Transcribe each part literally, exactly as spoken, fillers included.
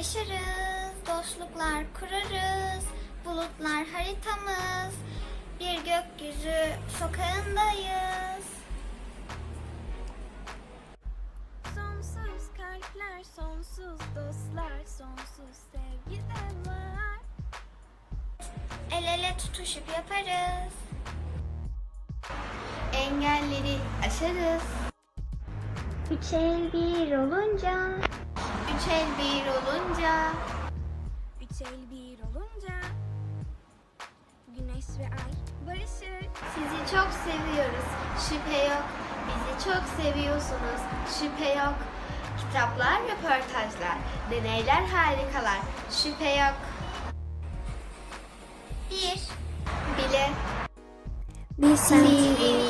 yaşarız, dostluklar kurarız, bulutlar haritamız, bir gökyüzü sokağındayız. Sonsuz kalpler, sonsuz dostlar, sonsuz sevgi de var. El ele tutuşup yaparız. Engelleri aşarız. Üç el bir olunca, Üç el bir olunca, Üç el bir olunca güneş ve ay barışır. sizi çok seviyoruz, şüphe yok. Bizi çok seviyorsunuz, şüphe yok. Kitaplar, röportajlar, deneyler harikalar, şüphe yok. bir, Bile, bir sevgi.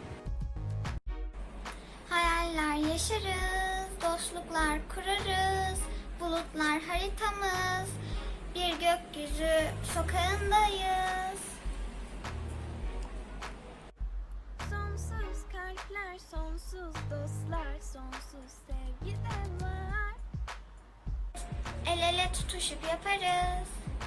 Hayaller yaşarız, dostluklar kurarız, bulutlar haritamız, bir gökyüzü sokağındayız. Sonsuz kalpler, sonsuz dostlar, sonsuz sevgi de var. El ele tutuşup yaparız.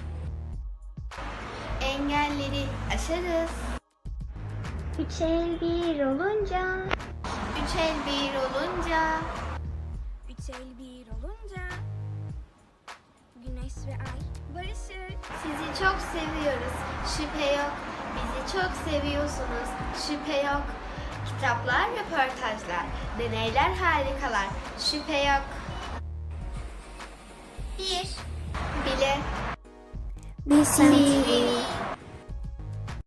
engelleri aşarız. Üç el bir olunca, Üç el bir olunca, Üç el bir olunca güneş ve ay barışır. sizi çok seviyoruz, şüphe yok. Bizi çok seviyorsunuz, şüphe yok. Kitaplar, röportajlar, deneyler harikalar, şüphe yok. bir, Bile, bir sevgi.